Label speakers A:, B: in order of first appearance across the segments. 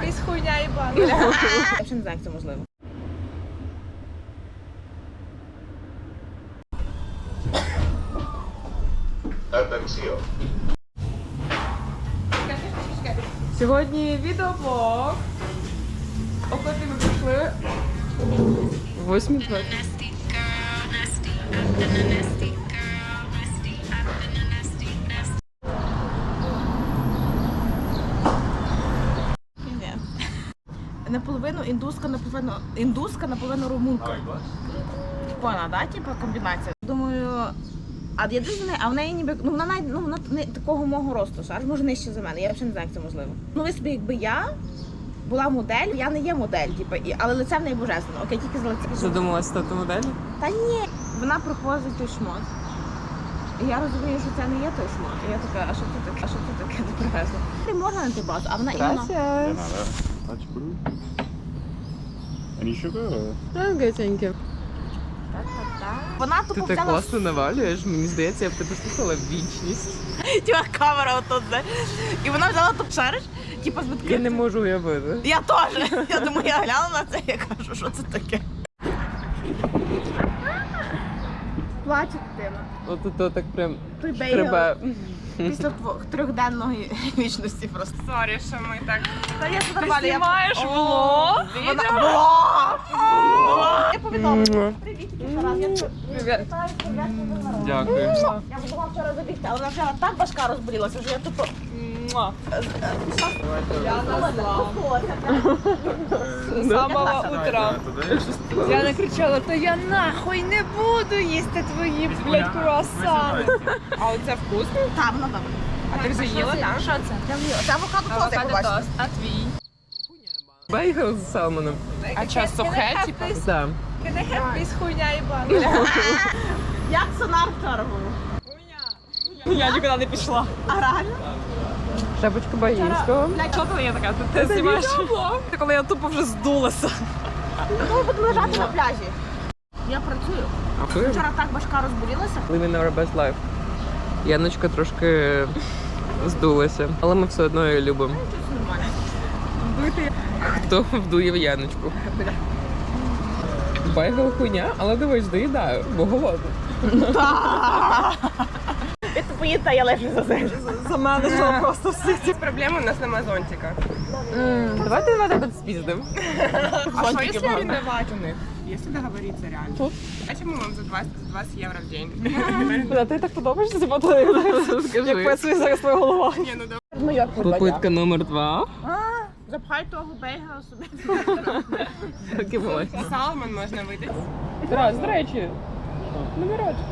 A: якась хуйня єбана.
B: Я взагалі не знаю, як це можливо.
A: Сьогодні відеоблог. Окоти ми прийшли. 8:20.
B: Наполовину індуска, наполовину румунка. Прикольна, да? Типа комбінація. Думаю, а я дуже не, а в неї ніби, ну вона навіть, ну вона не такого мого росту, аж може нижче за мене. Я взагалі не знаю, як це можливо. Ну ви собі, якби я була модель, я не є модель, типу, але лице в неї божественно. Окей, тільки з лиця.
A: Задумалась стати моделлю?
B: Та ні, вона проходить той шмот. І я розумію, що це не є той шмот. І я така, а що це таке? А що це таке ти привезла? Ти можна на ти базу, а вона іменно.
C: Any sugar?
A: Окей, thank you.
B: Вона
A: Ти
B: тупо
A: так
B: взяла
A: класно навалюєш, мені здається, я б тебе слухала вічність.
B: тіма камера отут, де. І вона взяла тут шариш, типу з
A: Я
B: відкритим.
A: не можу уявити.
B: Я теж. Я думаю, я глянула на це, я кажу, що це таке. Плаче дитина.
A: От так прям
B: Той
A: треба.
B: після трьохденної вічності просто.
A: Сорі, що ми так.
B: Та я
A: Ти знімаєш влог?
B: Я повідомила. Привіт, Тарас. Я
A: Привіт.
C: Дякую.
B: Я була вчора забігти, але вона вчора так башка розболілася, що я тупо...
A: Я назла. З самого утра. Діана кричала, то я нахуй не буду їсти твої, блядь, круасани. А оце вкусно?
B: Там, воно добре.
A: А ти вже їла, так?
B: Що це? Це авокадо тост, я побачила.
A: А твій? Бейгл з салмоном. А що, сухе, типу? Так.
D: Якась хуйня єбана.
B: Як сонар вчора був?
A: Я нікуди не пішла.
B: А реально?
A: Шапочка Багінського.
B: Що
A: коли я така, ти знімаєш? Це коли я тупо вже здулася.
B: Ми будемо лежати на пляжі. Я працюю. Вчора так башка розболілася.
A: Living our best life. Яночка трошки здулася, але ми все одно її любимо.
B: Це нормально.
A: Хто вдує в Яночку? Байгел хуйня, але дивись, доїдаю, бо голодний.
B: Ти поїдь, я лежу за землю.
A: За мене що просто всі ці
D: Проблема у нас нема зонтика.
A: Давайте на тебе спіздим.
D: А что если арендовать у них? Если договориться реально.
A: Тут?
D: А чему вам за 20 евро в день?
A: Куди ти так подобаєшся, ти як писує зараз твоя голова.
D: Не, ну давай.
A: Попитка номер 2.
B: Запхай того бейга собі.
A: Так і було.
D: Салмон можна видати.
A: Раз, до речі, номерочок.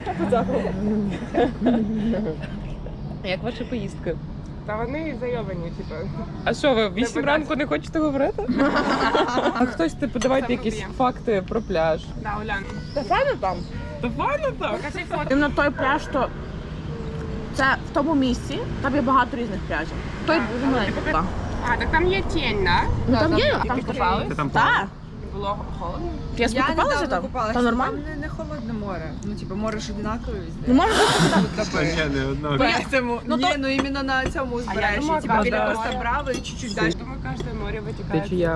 A: Як ваша поїздка?
D: Та вони зайобані, типу.
A: А що, ви в 8 ранку не хочете говорити? А хтось, типу, давайте якісь факти про пляж.
D: Да, Улян.
B: Та файно там?
A: Та файно так.
D: Покажи фото.
B: Іменно той пляж, то це в тому місці, там є багато різних пляжів. Той дуже маленький. Так.
D: А, так там є тінь, да?
B: Ну там є, там
D: Ти купалась?
C: Ти там
B: Так.
D: Було холодно?
B: Я собі купалася там? Там нормально?
E: Там не холодне море. Ну, типу, море ж одинакове
B: Ну
E: везде.
B: може бути там.
C: Ні, не одного.
E: Поэтому,
B: Ну,
E: ні,
B: то-
E: ну іменно на цьому узбережжі.
D: думала,
E: Типу,
D: да.
E: біля Коста Браво і чуть-чуть далі.
D: Думаю, каждое море вытекает.
A: Течія.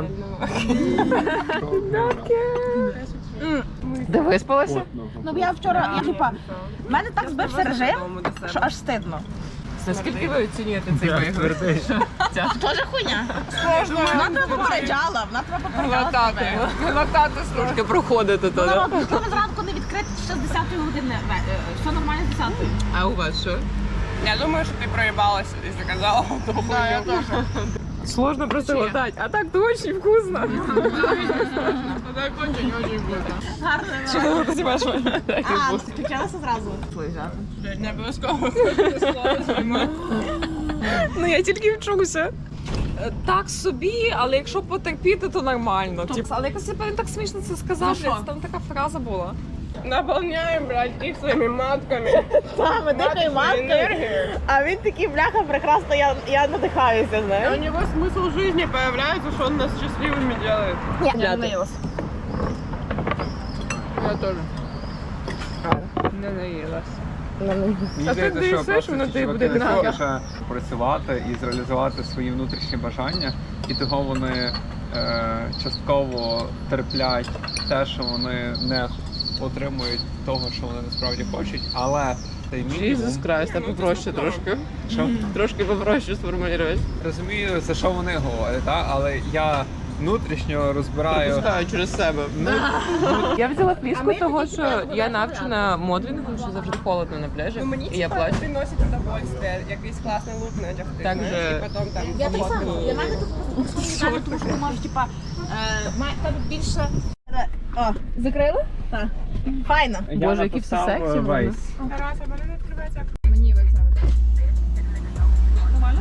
D: отдельно.
A: Де виспалася?
B: Ну я вчора, я типа, в мене так збився режим, що аж стидно.
A: Наскільки ви оцінюєте цей
C: Я
A: вигляд?
C: твердий.
B: Тоже хуйня. Вона тебе попереджала, вона тебе попереджала себе.
A: Глотати трошки проходити то, да?
B: Народ, чому зранку не відкрити ще з 10-ї години? Все нормально з 10-ї.
A: А у вас що?
D: Я думаю, что ты проебалась, если сказала. Да, я тоже.
A: Сложно просто глотать, а так то очень вкусно.
D: Так очень вкусно.
B: Гарно.
A: Чого ти знімаєш?
B: А, ну ти включалася зразу?
D: Не обов'язково слово знімати.
A: Ну я тільки вчуся. Так собі, але якщо потерпіти, то нормально. Але якось він так смішно це сказав,
B: що?
A: там така фраза була.
D: Наполняем, блядь, их своими матками.
B: Саме дихає маткою.
D: Энергию.
B: А він такий, бляха, прекрасно, я надихаюся,
D: У
B: знаєш.
D: него смысл жизни появляется, что он нас счастливыми делает.
B: Ні, я не наїлася.
A: Я теж. Не наїлась.
C: Мені здається, що просто
A: воно
C: ці
A: тобі
C: чуваки
A: буде
C: не
A: надо.
C: хочуть працювати і зреалізувати свої внутрішні бажання, і того вони частково терплять те, що вони не отримують того, що вони насправді хочуть, але цей мінімум...
A: Jesus Christ, а попроще трошки.
C: Що?
A: Трошки попроще сформулювати.
C: Розумію, за що вони говорять, але я внутрішньо розбираю...
A: Пропускаю через себе. Я взяла фліску, того що я навчена моделінгом, що завжди холодно на пляжі,
D: Ну мені
A: і я плачу.
D: приносить удовольствие, якийсь класний лук надягти,
A: Так
D: знаєш,
A: же-
D: і потім там
B: Я так
D: фотки.
B: само. Для мене тут просто ідеально, тому що ти можеш, типа, тебе більше... О, закрили? Так. Файно.
A: Боже, які всі
C: написав,
A: сексі вони.
C: Вейс.
D: Тарас, а мене не відкривається.
E: Мені оце. Нормально?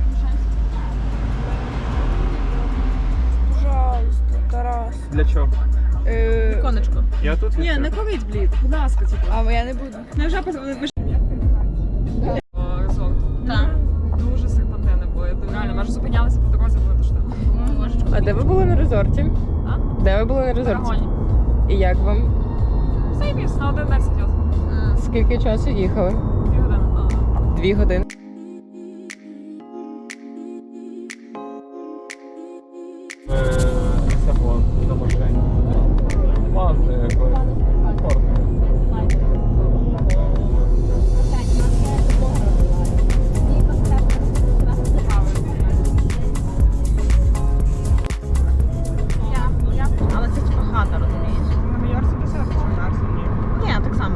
A: Пожалуйста, Тарас.
C: Для чого?
B: Віконечко.
C: Я тут
E: Ні, не ковід, блін. Будь ласка, типу.
A: А я не буду.
E: Не вже резорт.
B: Так.
E: Дуже серпантини були. Реально, ми ж зупинялися по дорозі, було то що.
A: А де ви були на резорті?
E: А?
A: Де ви були на резорті?
E: Парагоні.
A: І як вам?
E: Займіс, на один день сидів.
A: Скільки часу їхали?
E: 2 години.
A: 2 години.
C: Лісабон на машині. Мазди якось. Комфортно.
B: Але це типа хата, розумієш?
D: На Майорці десятки, що на Арсені.
B: Ні, так само.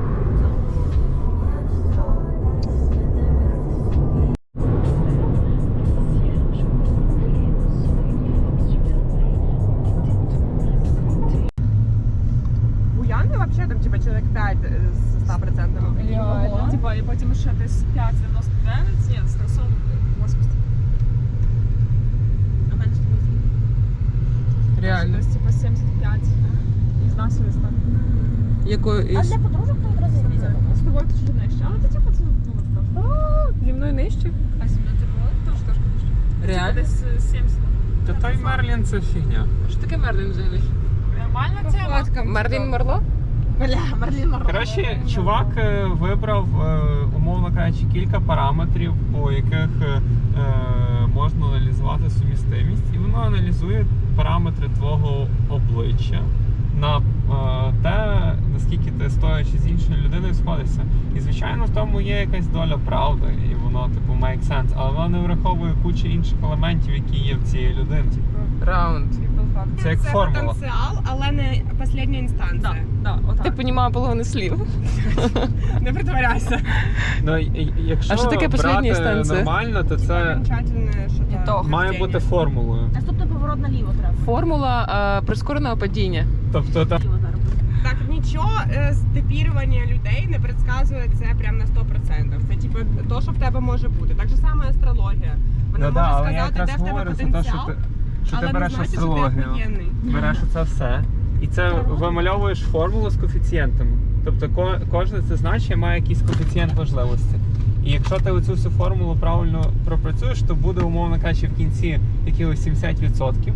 D: Буяни взагалі там типа чоловік 5 з 100%.
E: Типа, і потім ще десь 5,99, ні, з 380.
B: А в мене ж
A: Реально.
E: Десь типа 75. І з нас так.
A: Якою
B: А для подружок то одразу різати.
E: З тобою то чуть нижче. Але ти типа це ну так.
A: Зі мною нижче?
E: А сім'я ти була? Тож теж нижче.
A: Реально?
E: Десь 70.
C: Та той Мерлін це фігня.
A: Що таке Мерлін взагалі?
E: Нормальна тема.
A: Мерлін Марло?
B: Бля, Марлін Монро.
C: Коротше, чувак вибрав, умовно кажучи, кілька параметрів, по яких можна аналізувати сумістимість, і воно аналізує параметри твого обличчя на те, наскільки ти, стоячи з іншою людиною, сходишся. І, звичайно, в тому є якась доля правди, і воно, типу, make sense, але воно не враховує кучу інших елементів, які є в цій людині.
A: Раунд.
C: Це як формула.
D: потенціал, але не остання інстанція.
E: Да, отак.
A: Ти розумієш половину слів.
D: Не притворяйся.
C: Ну, якщо
A: А що таке последня
C: брати
A: інстанція?
C: нормально, то це
D: Окончательне, що
A: Ітог.
C: має бути формулою.
B: Наступний поворот наліво треба.
A: Формула прискореного падіння.
C: Тобто там
B: Наліво зараз буде.
D: Так, нічого з типірування людей не предсказує це прям на 100%. Це типу то, що в тебе може бути. Так же саме астрологія. Вона
C: ну, да,
D: може
C: але я
D: сказати,
C: якраз
D: де в тебе
C: говорю за те,
D: потенціал,
C: що ти
D: але
C: береш
D: не значить,
C: астрологію,
D: що ти охуєнний.
C: береш оце все, і це вимальовуєш формулу з коефіцієнтами. Тобто кожне це значення має якийсь коефіцієнт важливості. І якщо ти оцю всю формулу правильно пропрацюєш, то буде, умовно кажучи, в кінці якихось 70%.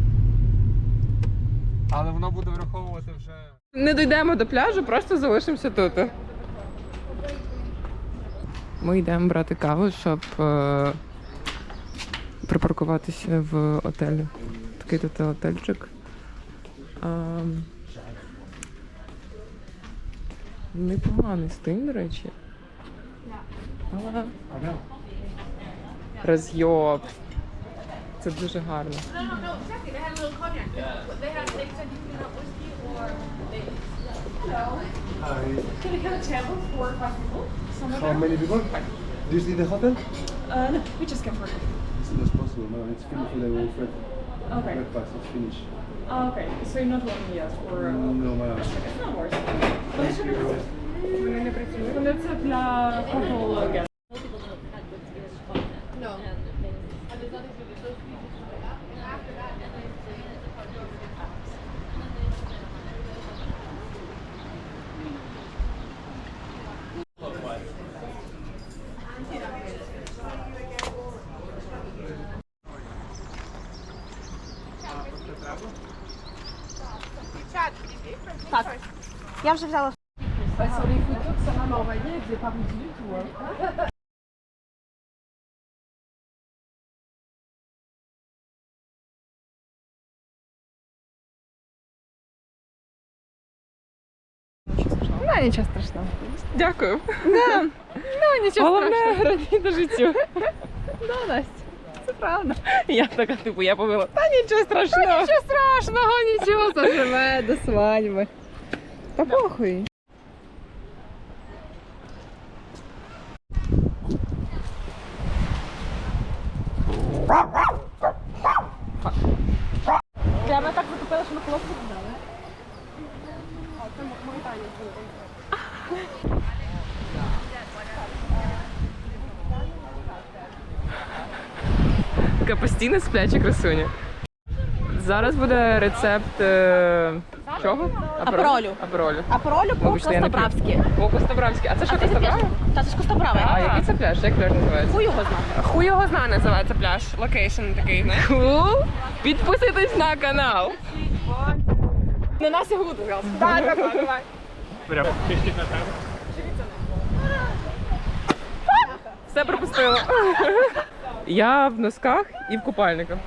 C: Але воно буде враховувати вже...
A: Не дійдемо до пляжу, просто залишимося тут. Ми йдемо брати каву, щоб припаркуватися в отелі. Такий тут отельчик. Непоганий стиль, до речі. Але роз'єб. Це дуже гарно.
F: How many people? Do you see the hotel?
E: No, we just came for it.
F: As soon as possible. No, it's finished for the Fred.
E: Okay.
F: Breakfast, it's finished.
E: Oh, okay. So you're not working yet for...
F: No, madam.
E: It's not worse.
F: Thank you.
E: Вони це для couple guests.
B: Так. Я вже взяла.
E: Sorry, if we took some over here,
A: Ну, нічого страшного.
E: Дякую.
A: Ну, нічого
E: Головне
A: страшного.
E: радіти життю.
A: Да, Настя, це правда.
E: Я така, типу, я повела. Та нічого страшного.
A: Нічого страшного, нічого, заживе до свадьби. Та похуй.
B: Прямо так закупила, що на хлопці дали.
E: Така постійна спляча красуня. Зараз буде рецепт чого?
B: Аперолю.
E: Аперолю.
B: Аперолю по
E: Вибачте, я не п'ю.
B: Костабравськи.
E: О, Костабравський. А це що, Костабравський?
B: Та це ж Костабраве.
E: А який це пляж? Як пляж називається?
B: Хуй його знає.
D: Хуй його зна називається пляж. Локейшн такий, знаєш.
E: Cool. Підписуйтесь на канал.
B: На нас його буду зараз.
D: Так, давай.
E: Все пропустила. Я в носках і в купальниках.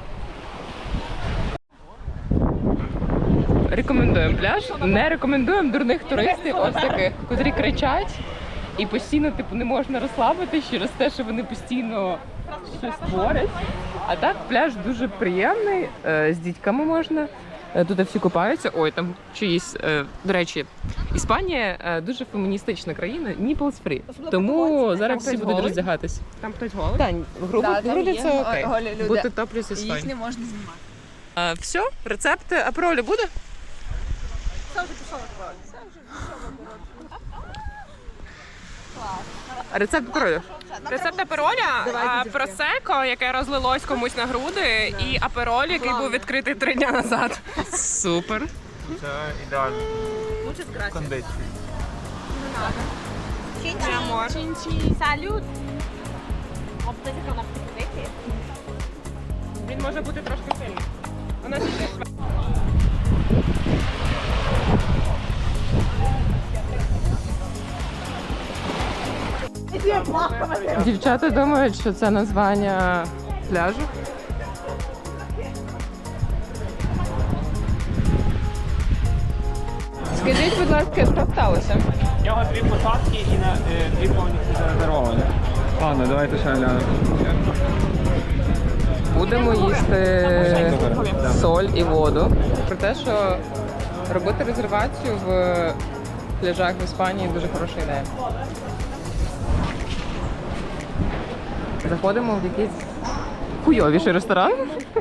E: Рекомендуємо пляж. Не рекомендуємо дурних туристів, ось таких, котрі кричать і постійно типу не можна розслабитись через те, що вони постійно щось творять. А так пляж дуже приємний, з дітьками можна. Тут всі купаються. Ой, там чиїсь, до речі, Іспанія дуже феміністична країна, nipples free. Тому зараз всі будуть роздягатись.
D: Там хтось голий?
E: Так, груди це окей.
A: голі люди.
E: Бути топлюс із
A: Їх не можна знімати.
E: Все, рецепт аперолю буде? Рецепт аперолю.
D: Рецепт апероля, просеко, яке розлилось комусь на груди, і апероль, який був відкритий 3 дня назад.
E: Супер.
C: Це ідеально. Кондиція.
B: Салют. А буде яка вона втекти?
D: Він може бути трошки сильний. Вона ще
E: Дівчата думають, що це названня пляжу. Скажіть, будь ласка, що сталося?
C: У нього 2 посадки і на 2 повністю зарезервовані. Ладно, давайте ще глянемо.
E: Будемо їсти соль і воду. Про те, що робити резервацію в пляжах в Іспанії дуже хороша ідея. Заходимо в якийсь хуйовіший ресторан.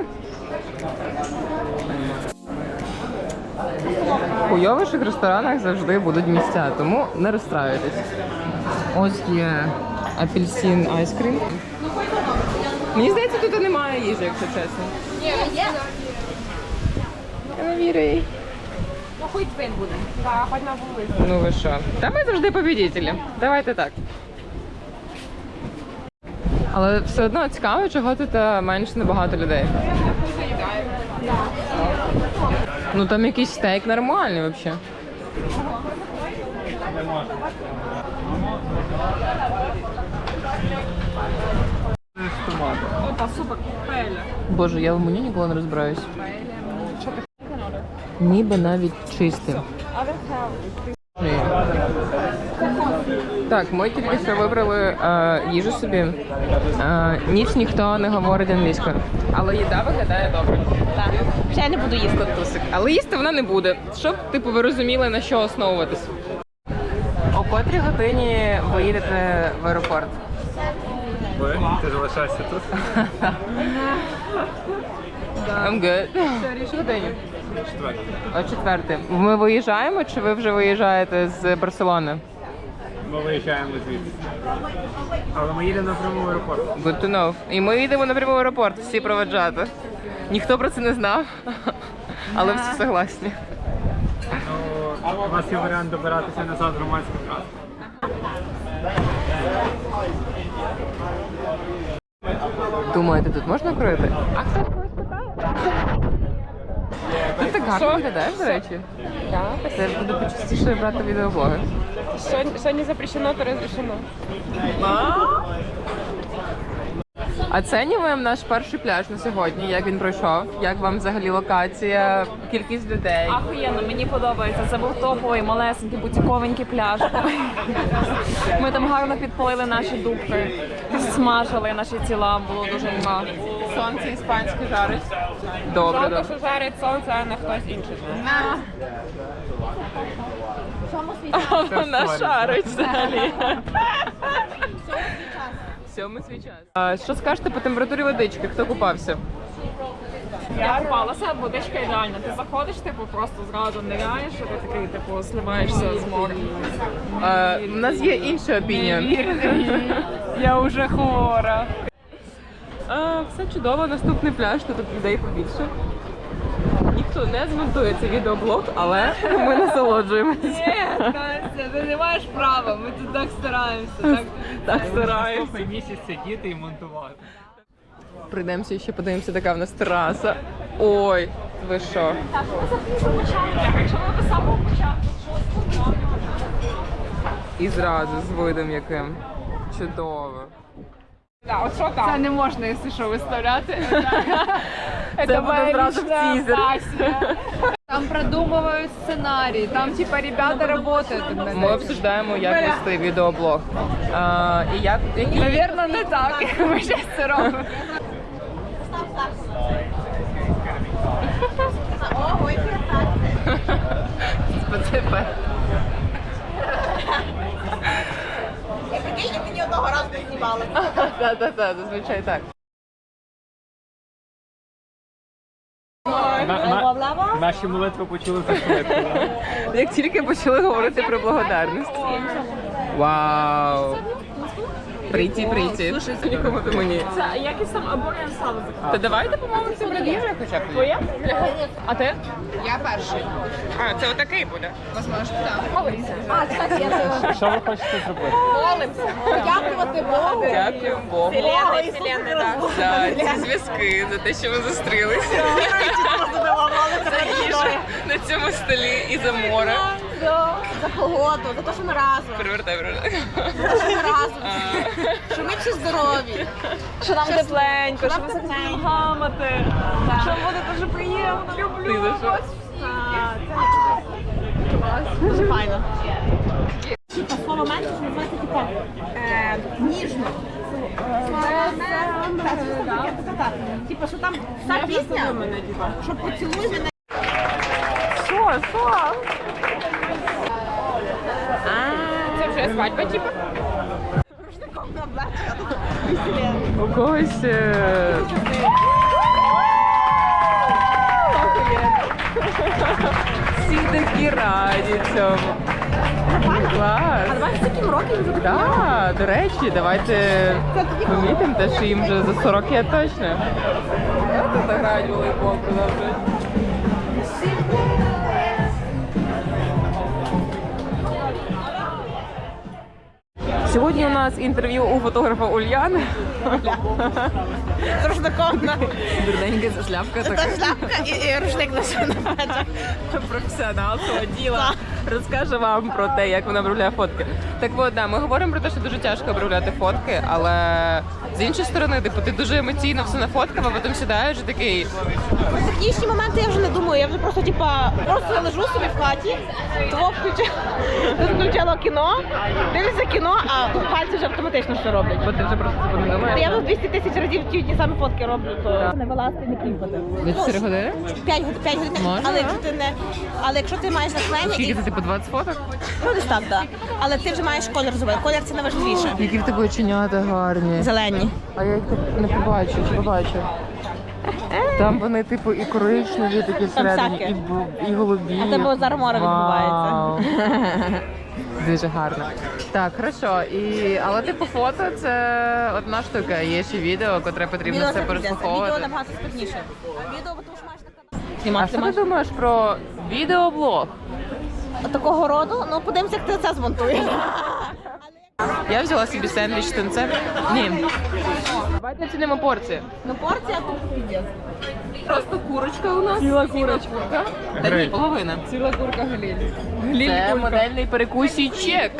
E: В хуйовіших ресторанах завжди будуть місця, тому не розстраюйтесь. Ось є апельсин айскрім. Мені здається, тут немає їжі, якщо чесно.
B: Є.
E: Я не вірю їй.
B: Ну хуй твин буде.
D: Так, хоч на вулиці.
E: Ну ви що? Та ми завжди побідітелі. Давайте так. Але все одно цікаво, чого тут менше набагато людей. Ну там якийсь стейк нормальний взагалі.
D: Опа, супер, паеля.
E: Боже, я в меню ніколи не розбираюсь. Ніби навіть чистим. Ні. Так, ми тільки що вибрали їжу собі. Ніч ніхто не говорить англійською. Але їда виглядає добре.
B: Так. Ще я не буду їсти.
E: Тусик. Але їсти вона не буде. Щоб, типу, ви розуміли, на що основуватись. О котрій годині ви їдете в аеропорт?
C: Ти залишаєшся тут?
E: I'm good. Що годині? О 4. Ми виїжджаємо, чи ви вже виїжджаєте з Барселони?
C: Ми виїжджаємо звідси. Але ми їдемо напряму в аеропорт.
E: Good to know. І ми їдемо напряму в аеропорт, всі проведжати. Ніхто про це не знав, але всі согласні.
C: Ну, у нас є варіант добиратися назад громадським транспортом.
E: Думаєте, тут можна курити? А хто когось питає? Тут так Гарно виглядаєш, до речі?
D: Так.
E: Це буде почастіше брати відеоблоги.
D: Сьогодні запрещено, то розрішено.
E: Оцінюємо наш перший пляж на сьогодні. Як він пройшов? Як вам взагалі локація, кількість людей?
A: Ахуєнно, мені подобається. Це був топовий, малесенький, бутіковенький пляж. Ми там гарно підпалили наші дубки, смажили наші тіла, було дуже мало.
E: Сонце іспанське жарить. Добре,
D: Жалко,
E: добре.
D: що жарить сонце, а не хтось інший.
E: Вона шарить взагалі. Сьомий свій час. Що скажете по температурі водички? Хто купався?
A: Я купалася, водичка ідеальна. Ти заходиш, типу, просто зразу ниряєш, і ти такий, типу, сливаєшся з моря.
E: У нас є інший опініон.
A: Я вже хвора.
E: Все чудово, наступний пляж, тут людей побільше. Ніхто не змонтує цей відеоблог, але ми насолоджуємося.
A: Ти не маєш права, ми тут так стараємося.
E: Так стараємося.
C: Наступний місяць сидіти і монтувати.
E: Прийдемося ще подивимося, така в нас тераса. Ой, ви що?
A: Якщо ми до самого початку,
E: І зразу з видом яким. Чудово.
D: Так, от що там?
A: це не можна, якщо що, виставляти.
E: Це буде зразу в тізер.
A: Там продумывают сценарий, там типа ребята работают.
E: Ми обсуждаємо, як вести відеоблог. І які...
A: Наверное, не так. Ми зараз це робимо.
E: Специфе.
B: Я мені одного разу не знімали.
E: Так, зазвичай так.
C: Наші молитви почули за швидко.
E: Як тільки почали говорити про благодарність. Вау! Прийти. Нікому ти мені.
A: Це якийсь там або я сало
E: Та давайте помолимося про їжу хоча б.
A: Твоє? А ти?
D: А, це отакий буде.
C: Що ви хочете зробити?
B: Подякувати Богу.
E: Дякую Богу
D: Вселенной, так.
E: за ці зв'язки, за те, що ви зустрілися. За їжу на цьому столі і за море.
B: За погоду, за те, що ми разом.
E: Перевертай.
B: За те, що ми разом. Що ми всі здорові.
A: Що нам тепленько, що ми захотіли гамати, що буде дуже приємно,
E: Ти
A: люблю
E: за що?
A: вас.
B: Дуже файно. Типа слово менше називається типа ніжно. Типа, що там вся пісня, що поцілуй мене.
A: Що?
D: Це вже свадьба, типу?
E: У когось... Всі такі раді цьому. Клас.
B: А давай з таким роком вже такі.
E: Так, до речі, давайте помітимо те, що їм вже за 40 є точно. Тут грають волейбол, продовжують. Сьогодні у нас інтерв'ю у фотографа Ульяни.
B: Рушником.
E: Дурненька ця шляпка така.
B: Шляпка і рушник на плечах.
E: Професіонал цього діла розкаже вам про те, як вона обробляє фотки. Так от, да, ми говоримо про те, що дуже тяжко обробляти фотки, але з іншої сторони, типу, ти дуже емоційно все нафоткав, а потім сідаєш і такий.
B: Про технічні моменти я вже не думаю, я вже просто типа просто лежу собі в хаті, того включила кіно, дивлюся кіно, а пальці вже автоматично що роблять.
E: Бо ти вже просто це не думаєш.
B: Я вже 200 тисяч разів ті самі фотки роблю, то не вилазити, не кліпати.
E: За 4 години?
B: 5 годин,
E: Можна,
B: але
E: да?
B: якщо ти не, але якщо ти маєш натхнення,
E: Скільки
B: і
E: це, типу, 20 фоток?
B: ну десь так, да. Але ти вже маєш колір зробити. Колір це найважливіше.
E: Які в тебе оченята гарні.
B: Зелені.
E: А я їх не побачу, чи побачу. Там вони, типу, і коричневі такі всередині,
B: всяке.
E: і голубі.
B: А тебе зараз море
E: Вау.
B: відбувається.
E: Дуже гарно. Так, хорошо. Але типу фото це одна штука. Є ще відео, котре потрібно все
B: Відео
E: переслуховувати.
B: набагато складніше. Відео, тому що маєш
E: А
B: знімати.
E: що ти думаєш про відеоблог?
B: Такого роду, ну подивимося, як ти це змонтуєш.
E: Я взяла собі сендвіч з тунцем. Ні. Давайте оцінимо порції.
B: Ну порція тут піздець.
E: Просто курочка у нас. Ціла курочка. Та ні, половина.
A: Ціла курка Галіль.
E: Це модельний перекусічек.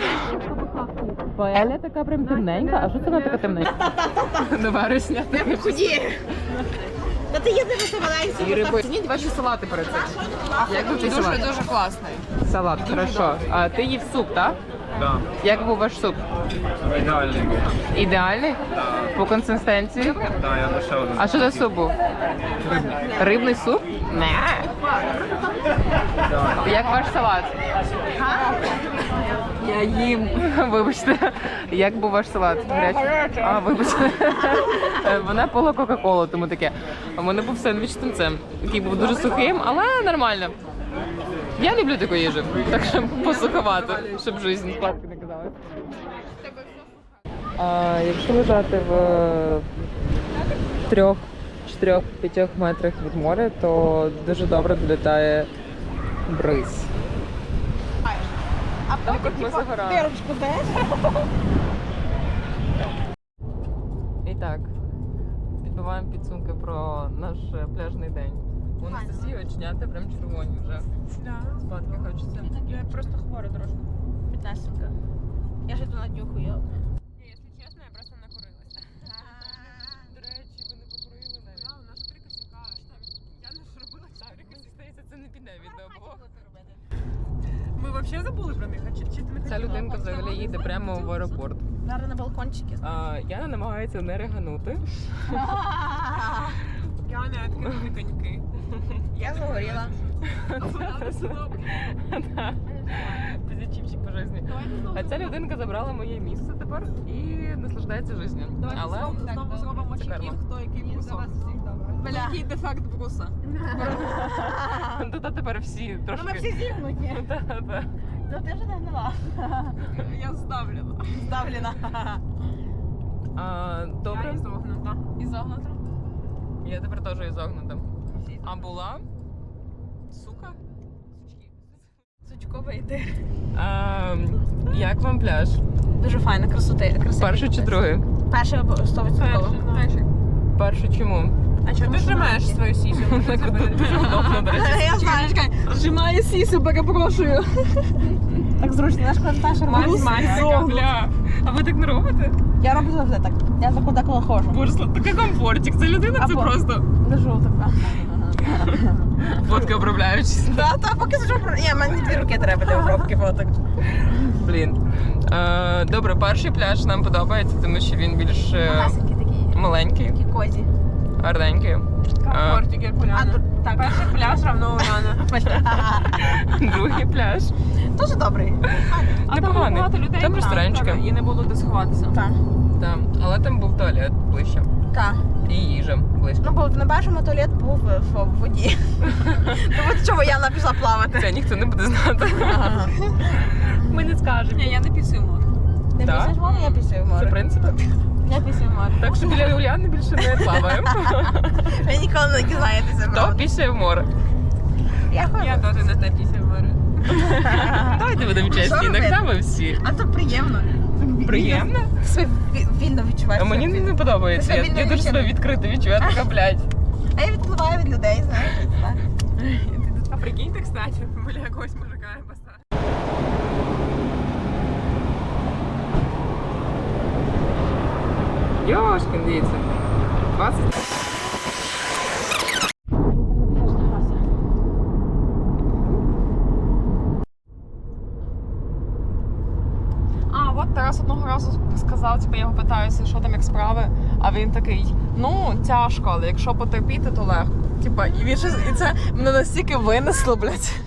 E: Паеля така прям темненька. А що це вона така темненька? До вересня.
B: Худі. Та ти їздиш на самолеті.
E: І риби. Цініть ваші салати перед цим. Як був твій салат?
A: Дуже класний.
E: Салат, хорошо. А ти їв суп, так?
C: Да.
E: Як був ваш суп?
C: Ідеальний.
E: Ідеальний? По консистенції?
C: Да, я лише один.
E: А що за суп був? Рибний суп? Не. Як ваш салат? Я їм. Вибачте. Як був ваш салат? Гарячий? А, вибачте. Вона пила Кока-Колу, тому таке. У мене був сендвіч з тунцем, який був дуже сухим, але нормально. Я люблю таку їжу, так що посуховато, щоб життя складки не казалось. Якщо лежати в 3-4-5 метрах від моря, то дуже добре долітає бриз.
B: А
E: Так,
B: потім,
E: от ми
B: типа,
E: загорали.
B: дирочку даєш?
E: І так, підбиваємо підсумки про наш пляжний день. У Анастасії оченята прям червоні вже. Спадки хочеться.
D: Я просто хвора трошки.
B: Піднесенька. Я ж йду на днюху, я.
D: Ні, якщо чесно, я просто накурилася.
E: До речі, ви не покурили навіть.
D: Да, у нас 3 косяка. Я не зробила 4
E: Мені здається, це не піде від обох.
D: Ми взагалі забули про них, а чи ти не
E: Ця людинка взагалі їде прямо в аеропорт.
B: Зараз на балкончики.
E: Яна намагається не реганути.
D: Я не відкинули коньки.
B: Я загоріла.
E: Позитивчик по житті. А ця людинка забрала моє місце тепер і наслаждається життю. Але
D: Знову зробимо
E: це карма.
D: чекін, хто який брусом.
B: Бля.
D: Який дефект бруса.
E: Тут тепер всі
B: Ну ми
E: трошки.
B: всі зігнуті.
E: Та-та.
B: То ти вже не гнила.
D: Я здавлена.
B: Здавлена.
E: Добре.
D: Я ізогнута.
B: Ізогнута.
E: Я тепер теж ізогнута. А була? Сука?
B: Сучковий йти.
E: Як вам пляж?
B: Дуже файно, красоти.
E: Перший чи другий?
B: Перший 100%.
E: Перший чому?
D: А чого ти зжимаєш свою сісю?
E: Дуже удобно, до речі.
B: Я знаю.
D: Зжимає сісю, перепрошую.
B: Так зручно, наш Наташа
E: Бля, а ви так не робите?
B: Я роблю завжди так. Я за куди коли ходжу.
E: Боже, такий комфортик. Це людина, це
B: Або-
E: просто
B: Лежу така.
E: фотки обробляючись.
B: Та, поки сижу. Ні, мені 2 руки треба для обробки фоток.
E: Блін. Добре, перший пляж нам подобається, тому що він більш
B: Масенькі такі.
E: маленький,
B: Такі козі.
E: гарненький.
D: Комфортик, як Уляна.
B: Так.
D: Перший пляж равно Уляна.
E: Другий пляж.
B: Дуже добрий.
E: Непоганий.
D: багато людей
E: Там ресторанчики.
D: і не було де сховатися.
B: Так.
E: Там. Але там був туалет ближче.
B: Так.
E: І їжа близько.
B: Ну, бо на першому туалет був в воді. Тому чого Яна пішла плавати.
E: Це ніхто не буде знати. Ми не скажемо.
D: Ні, я не пісую в море.
B: Не
E: Так?
B: після в море, я після в
E: Це
B: море.
E: принцип.
B: Я після в море.
E: Так що біля Уляни більше не плаваємо.
B: Ви ніколи не дізнаєтеся,
E: Хто
B: правда.
E: після в море?
B: Я ходжу.
D: Я теж не те після в море.
E: Давайте будемо чесні,
B: Що
E: іноді
B: робити?
E: ми всі.
B: А то приємно.
E: Приємно?
B: Себе вільно відчуваєш.
E: А мені не подобається.
B: Це
E: Я
B: вільно
E: дуже
B: відчуття.
E: себе відкрито відчуваю, така, блядь.
B: А я відпливаю від людей, знаєш. Так.
D: А прикиньте, кстати, біля якогось мужика я поставила.
E: Йошкін, дивіться. 20.
D: А, от Тарас одного разу сказав, типу, я його питаюся, що там як справи, а він такий, ну, тяжко, але якщо потерпіти, то легко. Типа, і він щось, і це мене настільки винесло, блядь.